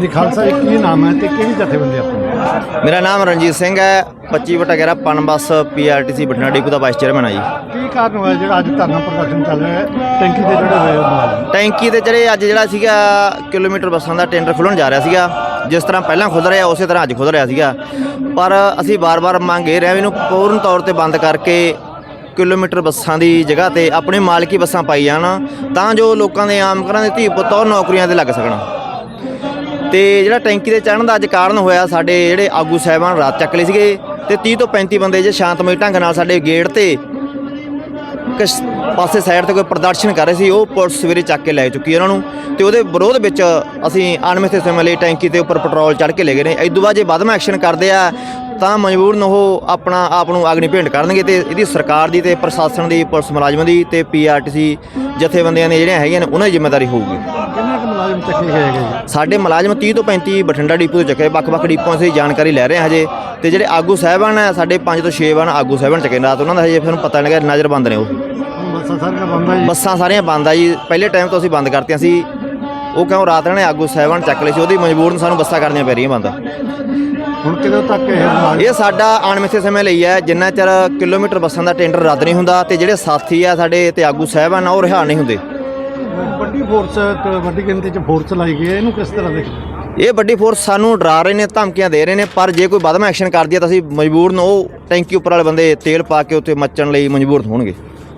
ਹਾਂਜੀ ਖਾਲਸਾ ਜੀ, ਕੀ ਨਾਮ ਹੈ ਤੇ ਕਿਹੜੀ ਜਥੇਬੰਦੀ ਆਪਣੀ? ਮੇਰਾ ਨਾਮ ਰਣਜੀਤ ਸਿੰਘ ਹੈ। 25/11 ਪਨ ਬੱਸ PRTC ਬਠਿੰਡਾ ਡਿਪੂ ਦਾ ਵਾਈਸ ਚੇਅਰਮੈਨ ਆ ਜੀ। ਕੀ ਕਾਰਨ ਹੋਇਆ ਜਿਹੜਾ ਅੱਜ ਧਰਨਾ ਪ੍ਰਦਰਸ਼ਨ ਚੱਲ ਰਿਹਾ ਹੈ ਟੈਂਕੀ ਤੇ ਜਿਹੜੇ ਹੋਏ ਮੁਲਾਜ਼ਮ? ਟੈਂਕੀ ਤੇ ਜਿਹੜੇ ਅੱਜ ਜਿਹੜਾ ਸੀਗਾ ਕਿਲੋਮੀਟਰ ਬੱਸਾਂ ਦਾ ਟੈਂਡਰ ਖੁੱਲ੍ਹਣ ਜਾ ਰਿਹਾ ਸੀਗਾ। ਜਿਸ ਤਰ੍ਹਾਂ ਪਹਿਲਾਂ ਖੁੱਲ੍ਹ ਰਿਹਾ ਉਸੇ ਤਰ੍ਹਾਂ ਅੱਜ ਖੁੱਲ੍ਹ ਰਿਹਾ ਸੀਗਾ, ਪਰ ਅਸੀਂ ਵਾਰ-ਵਾਰ ਮੰਗ ਇਹ ਰਹੇ ਵੀ ਇਹਨੂੰ ਪੂਰਨ ਤੌਰ ਤੇ ਬੰਦ ਕਰਕੇ ਕਿਲੋਮੀਟਰ ਬੱਸਾਂ ਦੀ ਜਗ੍ਹਾ ਤੇ ਆਪਣੀ ਮਾਲਕੀ ਬੱਸਾਂ ਪਾਈ ਜਾਣ, ਤਾਂ ਜੋ ਲੋਕਾਂ ਦੇ ਆਮ ਘਰਾਂ ਦੇ ਧੀ ਪੁੱਤ ਉਹ ਨੌਕਰੀਆਂ ਤੇ ਲੱਗ ਸਕਣ। ਤੇ ਜਿਹੜਾ ਟੈਂਕੀ ਤੇ ਚੜ੍ਹਨ ਦਾ ਅੱਜ ਕਾਰਨ ਹੋਇਆ, ਸਾਡੇ ਜਿਹੜੇ ਆਗੂ ਸਾਹਿਬਾਨ ਰਾਤ ਚੱਕ ਲਏ ਸੀਗੇ ਤੇ 30 ਤੋਂ 35 ਬੰਦੇ ਜੇ ਸ਼ਾਂਤਮਈ ਢੰਗ ਨਾਲ ਸਾਡੇ ਗੇਟ ਤੇ ਕਿਸ ਪਾਸੇ ਸਾਈਡ ਤੇ ਕੋਈ ਪ੍ਰਦਰਸ਼ਨ ਕਰ ਰਹੇ ਸੀ, ਉਹ ਪੁਲਿਸ ਸਵੇਰੇ ਚੱਕ ਕੇ ਲੈ ਚੁੱਕੀ ਉਹਨਾਂ ਨੂੰ। ਤੇ ਉਹਦੇ ਵਿਰੋਧ ਵਿੱਚ ਅਸੀਂ ਅਣਮਿੱਥੇ ਸਮੇਂ ਲਈ ਟੈਂਕੀ ਤੇ ਉੱਪਰ ਪੈਟਰੋਲ ਚੜ੍ਹ ਕੇ ਲੈ ਗਏ ਨੇ। ਇਸ ਤੋਂ ਬਾਅਦ ਜੇ ਵੱਧਵਾਂ ਐਕਸ਼ਨ ਕਰਦੇ ਆ ਤਾਂ ਮਜਬੂਰਨ ਉਹ ਆਪਣਾ ਆਪ ਨੂੰ ਅਗਨੀ ਭੇਂਟ ਕਰਨਗੇ। ਤੇ ਇਹਦੀ ਸਰਕਾਰ ਦੀ ਤੇ ਪ੍ਰਸ਼ਾਸਨ ਦੀ, ਪੁਲਿਸ ਮੁਲਾਜ਼ਮਾਂ ਦੀ ਤੇ PRTC ਜਥੇਬੰਦੀਆਂ ਦੀਆਂ ਜਿਹੜੀਆਂ ਹੈਗੀਆਂ ਨੇ ਉਹਨਾਂ ਦੀ ਜ਼ਿੰਮੇਵਾਰੀ ਹੋਊਗੀ। ਕਿੰਨੇ ਕੁ ਮੁਲਾਜ਼ਮ ਚੱਕੇ ਗਏ ਹੈਗੇ? ਸਾਡੇ ਮੁਲਾਜ਼ਮ 30 ਤੋਂ 35 ਬਠਿੰਡਾ ਡਿਪੂ ਤੋਂ ਚੱਕੇ, ਵੱਖ-ਵੱਖ ਡਿਪੂਆਂ ਤੋਂ ਜਾਣਕਾਰੀ ਲੈ ਰਹੇ ਹਾਂ ਹਜੇ। ਤੇ ਜਿਹੜੇ ਆਗੂ ਸਾਹਿਬਾਨ ਆ ਸਾਡੇ 5 ਤੋਂ 6 ਆਗੂ ਸਾਹਿਬਾਨ ਚੱਕੇ ਰਾਤ, ਉਹਨਾਂ ਦਾ ਹਜੇ ਸਾਨੂੰ ਪਤਾ ਨਹੀਂ ਲੱਗਾ, ਨਜ਼ਰਬੰਦ ਨੇ ਉਹ। ਬੱਸਾਂ ਸਾਰੀਆਂ ਬੰਦ ਆ ਜੀ? ਬੱਸਾਂ ਸਾਰੀਆਂ ਬੰਦ ਆ ਜੀ। ਪਹਿਲੇ ਟਾਈਮ ਤੋਂ ਅਸੀਂ ਬੰਦ ਕਰਤੀਆਂ ਸੀ, ਉਹ ਕਿਉਂ ਰਾਤ ਨੇ ਆਗੂ ਸਾਹਿਬਾਨ ਚੱਕ ਲਏ ਸੀ, ਉਹਦੀ ਮਜਬੂਰਨ ਸਾਨੂੰ ਬੱਸਾਂ ਕਰਨੀਆਂ ਪੈ ਰਹੀਆਂ ਬੰਦ। ਹੁਣ ਕਿਦੋਂ ਤੱਕ ਇਹ ਸਾਡਾ ਅਣਮਿੱਥੇ ਸਮੇਂ ਲਈ ਹੈ, ਜਿੰਨਾ ਚਿਰ ਕਿਲੋਮੀਟਰ ਬੱਸਾਂ ਦਾ ਟੈਂਡਰ ਰੱਦ ਨਹੀਂ ਹੁੰਦਾ ਤੇ ਜਿਹੜੇ ਸਾਥੀ ਆ ਸਾਡੇ ਤੇ ਆਗੂ ਸਾਹਿਬਾਨ ਆ ਉਹ ਰਿਹਾ ਨਹੀਂ ਹੁੰਦੇ। ਵੱਡੀ ਫੋਰਸ, ਵੱਡੀ ਗਿਣਤੀ 'ਚ ਫੋਰਸ ਲਾਈ ਗਈ ਹੈ, ਇਹਨੂੰ ਕਿਸ ਤਰ੍ਹਾਂ ਦੇਖਦੇ? ਇਹ ਵੱਡੀ ਫੋਰਸ ਸਾਨੂੰ ਡਰਾ ਰਹੇ ਨੇ, ਧਮਕੀਆਂ ਦੇ ਰਹੇ ਨੇ, ਪਰ ਜੇ ਕੋਈ ਵੱਧਵਾਂ ਐਕਸ਼ਨ ਕਰਦੀ ਹੈ ਤਾਂ ਅਸੀਂ ਮਜਬੂਰਨ ਉਹ ਟੈਂਕੀ ਉੱਪਰ ਵਾਲੇ ਬੰਦੇ ਤੇਲ ਪਾ ਕੇ ਉੱਤੇ ਮੱਚਣ ਲਈ ਮਜਬੂਰ ਹੋਣਗੇ।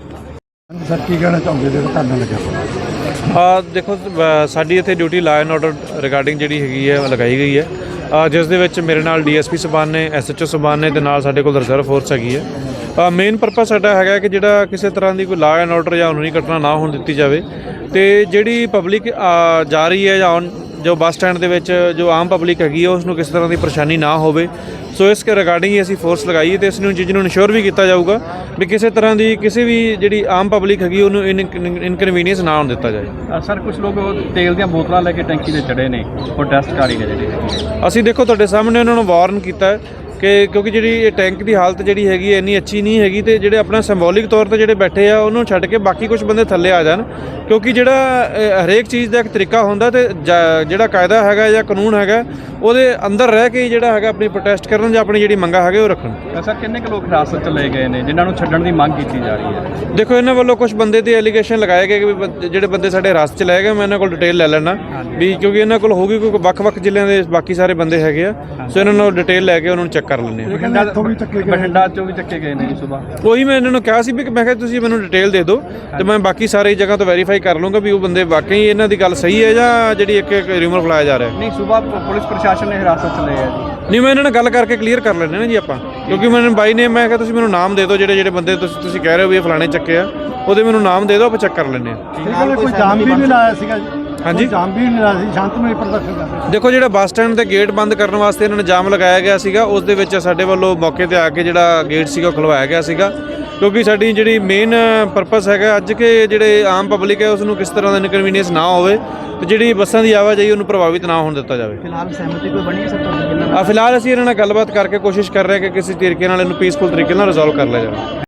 ਸਰ ਕੀ ਕਹਿਣਾ ਚਾਹੁੰਦੇ ਜਿਹੜਾ ਧਰਨਾ ਲੱਗਿਆ? ਦੇਖੋ ਸਾਡੀ ਇੱਥੇ duty law and order regarding ਜਿਹੜੀ ਹੈਗੀ ਹੈ ਲਗਾਈ ਗਈ ਹੈ, ਜਿਸ ਦੇ ਵਿੱਚ ਮੇਰੇ ਨਾਲ DSP ਸਾਹਿਬਾਨ ਨੇ, SHO ਸਾਹਿਬਾਨ ਨੇ ਤੇ ਨਾਲ ਸਾਡੇ ਕੋਲ ਰਿਜ਼ਰਵ ਫੋਰਸ ਹੈਗੀ ਹੈ। ਮੇਨ ਪਰਪਸ ਸਾਡਾ ਹੈਗਾ ਕਿ ਜਿਹੜਾ ਕਿਸੇ ਤਰ੍ਹਾਂ ਦੀ ਕੋਈ ਲਾਅ ਐਂਡ ਆਰਡਰ ਜਾਂ ਕਾਨੂੰਨੀ ਘਟਨਾ ਨਾ ਹੋਣ ਦਿੱਤੀ ਜਾਵੇ। ਤੇ ਜਿਹੜੀ ਪਬਲਿਕ ਜਾ ਰਹੀ ਹੈ ਜਾਂ ਜੋ ਬੱਸ ਸਟੈਂਡ ਦੇ ਵਿੱਚ ਜੋ ਆਮ ਪਬਲਿਕ ਹੈਗੀ ਹੈ ਉਸ ਨੂੰ ਕਿਸੇ ਤਰ੍ਹਾਂ ਦੀ ਪਰੇਸ਼ਾਨੀ ਨਾ ਹੋਵੇ, ਸੋ ਇਸ ਰਿਗਾਰਡਿੰਗ ਹੀ ਅਸੀਂ ਫੋਰਸ ਲਗਾਈ ਹੈ। ਤੇ ਇਸ ਨੂੰ ਚੀਜ਼ ਨੂੰ ਇਨਸ਼ੋਰ ਵੀ ਕੀਤਾ ਜਾਊਗਾ ਵੀ ਕਿਸੇ ਤਰ੍ਹਾਂ ਦੀ ਕਿਸੇ ਵੀ ਜਿਹੜੀ ਆਮ ਪਬਲਿਕ ਹੈਗੀ ਉਹਨੂੰ ਇਨਕਨਵੀਨੀਅੰਸ ਨਾ ਹੋਣ ਦਿੱਤਾ ਜਾਏ। ਸਰ ਕੁਝ ਲੋਕ ਤੇਲ ਦੀਆਂ ਬੋਤਲਾਂ ਲੈ ਕੇ ਟੈਂਕੀ ਤੇ ਚੜੇ ਨੇ, ਪ੍ਰੋਟੈਸਟਕਾਰੀ ਨੇ ਜਿਹੜੇ। ਅਸੀਂ ਦੇਖੋ ਤੁਹਾਡੇ ਸਾਹਮਣੇ ਉਹਨਾਂ ਨੂੰ ਵਾਰਨ ਕੀਤਾ ਹੈ ਕਿ ਕਿਉਂਕਿ ਜਿਹੜੀ ਇਹ ਟੈਂਕ ਦੀ ਹਾਲਤ ਜਿਹੜੀ ਹੈਗੀ ਇੰਨੀ ਅੱਛੀ ਨਹੀਂ ਹੈਗੀ, ਤੇ ਜਿਹੜੇ ਆਪਣਾ ਸਿੰਬੋਲਿਕ ਤੌਰ ਤੇ ਜਿਹੜੇ ਬੈਠੇ ਆ ਉਹਨੂੰ ਛੱਡ ਕੇ ਬਾਕੀ ਕੁਝ ਬੰਦੇ ਥੱਲੇ ਆ ਜਾਣ, ਕਿਉਂਕਿ ਜਿਹੜਾ ਹਰੇਕ ਚੀਜ਼ ਦਾ ਇੱਕ ਤਰੀਕਾ ਹੁੰਦਾ ਤੇ ਜਿਹੜਾ ਕਾਇਦਾ ਹੈਗਾ ਜਾਂ ਕਾਨੂੰਨ ਹੈਗਾ ਉਹਦੇ ਅੰਦਰ ਰਹਿ ਕੇ ਜਿਹੜਾ ਹੈਗਾ ਆਪਣੀ ਪ੍ਰੋਟੈਸਟ ਕਰਨ ਜਾਂ ਆਪਣੀ ਜਿਹੜੀ ਮੰਗਾਂ ਹੈਗੇ ਉਹ ਰੱਖਣ। ਸਰ ਕਿੰਨੇ ਕੁ ਲੋਕ ਹਿਰਾਸਤ 'ਚ ਲਏ ਗਏ ਨੇ ਜਿਨ੍ਹਾਂ ਨੂੰ ਛੱਡਣ ਦੀ ਮੰਗ ਕੀਤੀ ਜਾ ਰਹੀ ਹੈ? ਦੇਖੋ ਇਹਨਾਂ ਵੱਲੋਂ ਕੁਝ ਬੰਦੇ ਤੇ ਐਲੀਗੇਸ਼ਨ ਲਗਾਏ ਗਏ ਕਿ ਜਿਹੜੇ ਬੰਦੇ ਸਾਡੇ ਹਿਰਾਸਤ 'ਚ ਲਏ ਗਏ, ਮੈਂ ਇਹਨਾਂ ਕੋਲ ਡਿਟੇਲ ਲੈ ਲੈਣਾ ਵੀ, ਕਿਉਂਕਿ ਇਹਨਾਂ ਕੋਲ ਹੋਊਗੀ ਕੋਈ ਵੱਖ-ਵੱਖ ਜ਼ਿਲ੍ਹਿਆਂ ਦੇ ਬਾਕੀ ਸਾਰੇ ਬੰਦੇ ਹੈਗੇ ਆ, ਸੋ ਇਹਨਾਂ ਨੂੰ ਡਿਟੇਲ ਲੈ ਕੇ ਉਹਨਾਂ ਨੂੰ ਚੈੱਕ ਕਰ ਲੈਂਦੇ ਆ। ਬਠਿੰਡਾ ਚੋਂ ਵੀ ਚੱਕੇ ਗਏ ਨੇ ਜੀ ਸੁਬਾਹ। ਉਹੀ ਮੈਂ ਇਹਨਾਂ ਨੂੰ ਕਿਹਾ ਸੀ ਵੀ ਮੈਂ ਕਿਹਾ ਤੁਸੀਂ ਮੈਨੂੰ ਡਿਟੇਲ ਦੇ ਦਿਓ ਤੇ ਮੈਂ ਬਾਕੀ ਸਾਰੇ ਜਗ੍ਹਾ ਤੋਂ ਵੈਰੀਫਾਈ ਕਰ ਲੂੰਗਾ ਵੀ ਉਹ ਬੰਦੇ ਵਾਕਈ ਇਹਨਾਂ ਦੀ ਗੱਲ ਸਹੀ ਹੈ ਜਾਂ ਜਿਹੜੀ ਇੱਕ ਰਿਊਮਰ ਫਲਾਇਆ ਜਾ ਰਿਹਾ। ਨਹੀਂ, ਸੁਬਾਹ ਪੁਲਿਸ ਪ੍ਰਸ਼ਾਸਨ ਨੇ ਹਿਰਾਸਤ 'ਚ ਲਏ ਆ ਜੀ। ਨਹੀਂ, ਮੈਂ ਇਹਨਾਂ ਨਾਲ ਗੱਲ ਕਰਕੇ ਕਲੀਅਰ ਕਰ ਲੈਣੇ ਨਾ ਜੀ ਆਪਾਂ, ਕਿਉਂਕਿ ਮੈਨੂੰ ਬਾਈ ਨੇ ਮੈਂ ਕਿਹਾ ਤੁਸੀਂ ਮੈਨੂੰ ਨਾਮ ਦੇ ਦਿਓ ਜਿਹੜੇ ਬੰਦੇ ਤੁਸੀਂ ਕਹਿ ਰਹੇ ਹੋ ਵੀ ਇਹ ਫਲਾਣੇ ਚੱਕੇ ਆ, ਉਹਦੇ ਮੈਨੂੰ ਨਾਮ ਦੇ ਦਿਓ, ਆਪਾਂ ਚੈੱਕ ਕਰ ਲੈਂਦੇ ਆ। ਕੋਈ ਜਾਮ ਵੀ ਨਹੀਂ ਲਾਇਆ ਸੀਗਾ ਜੀ? ਹਾਂਜੀ, ਜਾਮ ਵੀ ਨਹੀਂ ਲਾਇਆ ਸੀ, ਸ਼ਾਂਤਮਈ ਪ੍ਰਦਰਸ਼ਨ ਕਰਦੇ। ਦੇਖੋ ਜਿਹੜਾ ਬੱਸ ਸਟੈਂਡ ਤੇ ਗੇਟ ਬੰਦ ਕਰਨ ਵਾਸਤੇ ਇਹਨਾਂ ਨੇ ਜਾਮ ਲਗਾਇਆ ਗਿਆ ਸੀਗਾ, ਉਸ ਦੇ ਵਿੱਚ ਸਾਡੇ ਵੱਲੋਂ ਮੌਕੇ ਤੇ ਆ ਕੇ ਜਿਹੜਾ ਗੇਟ ਸੀਗਾ ਉਹ ਖੁਲਵਾਇਆ ਗਿਆ ਸੀਗਾ, ਕਿਉਂਕਿ ਸਾਡੀ ਜਿਹੜੀ ਮੇਨ ਪਰਪਸ ਹੈਗਾ ਅੱਜ ਕਿ ਜਿਹੜੇ ਆਮ ਪਬਲਿਕ ਹੈ ਉਸ ਨੂੰ ਕਿਸ ਤਰ੍ਹਾਂ ਦਾ ਇਨਕਨਵੀਨੀਅੰਸ ਨਾ ਹੋਵੇ ਤੇ ਜਿਹੜੀ ਬੱਸਾਂ ਦੀ ਆਵਾਜਾਈ ਉਹਨੂੰ ਪ੍ਰਭਾਵਿਤ ਨਾ ਹੋਣ ਦਿੱਤਾ ਜਾਵੇ। ਫਿਲਹਾਲ ਸਹਿਮਤੀ ਕੋਈ ਬਣੀ ਹੈ ਸਰ ਤੁਹਾਡੇ ਨਾਲ? ਫਿਲਹਾਲ ਅਸੀਂ ਇਹਨਾਂ ਨਾਲ ਗੱਲਬਾਤ ਕਰਕੇ ਕੋਸ਼ਿਸ਼ ਕਰ ਰਹੇ ਹਾਂ ਕਿ ਕਿਸੇ ਤਰੀਕੇ ਨਾਲ ਇਹਨੂੰ ਪੀਸਫੁਲ ਤਰੀਕੇ ਨਾਲ ਰਿਜ਼ੋਲਵ ਕਰ ਲਿਆ ਜਾਵੇ।